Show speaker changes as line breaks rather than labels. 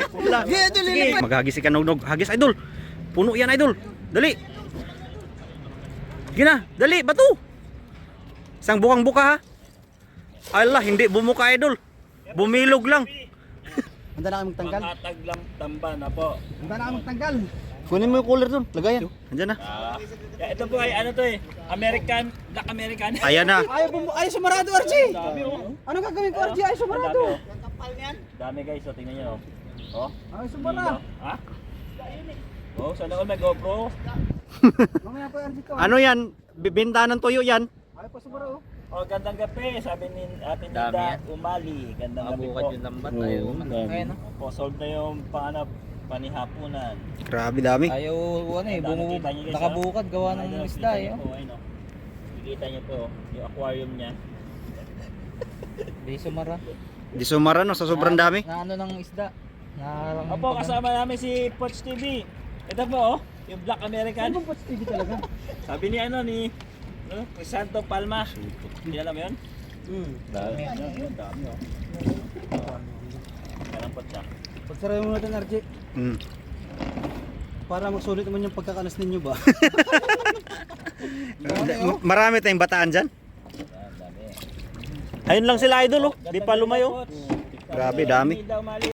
Wala. Sige, maghagis si Kanugnog. Hagis, idol. Puno yan, idol. Dali. Sige na, dali, bato. Isang bukang-buka ha. Ala, hindi bumuka, idol. Bumilog lang.
Handa na kami magtanggal.
Makatag lang tamba na po.
Handa na kami magtanggal.
Kunin mo yung cooler doon. Lagayan. Andyan na.
Ito po ay ano to eh. American, Black American.
Ayan na.
Ay, sumarado, Archie.
Dami oh.
Ano gagawin ko, Archie? Ay, sumarado.
Dami guys, so tingnan niyo oh. Oh.
Ay, sumara.
Ha? Oh, sana all may GoPro.
Mamaya pa, Archie ko.
Ano yan? Bibinta ng tuyo yan.
Ay, pa sumara, oh.
Oh, gandang gabi, sabi ni Ate Nida Umali. Gandang gabi po.
Yung lambat tayo. Ayun no?
Po, solve na yung panihapunan.
Grabe dami.
Ayaw ano eh,
Nakita niyo guys,
nakabukad gawa ng
Ayun,
isda
kita
eh.
niyo po, ayun, oh. Kikita niyo po yung aquarium niya.
Di sumara.
Di sumara no, sa sobrang dami.
Na ano ng isda. Na
Opo, kasama namin si Poch TV. Ito po oh, yung Black American.
Ano bang TV talaga?
Sabi ni ano ni Santo Palma. Hindi alam mo yun?
Dami.
Dami oh. Kalampot siya.
Pagsarayin mo natin, Archie. Para magsulit naman yung pagkakalas ninyo ba?
Marami tayong bataan dyan.
Dami.
Ayun lang sila, idol oh. Di pa lumayo. Grabe, dami.
Daw mali.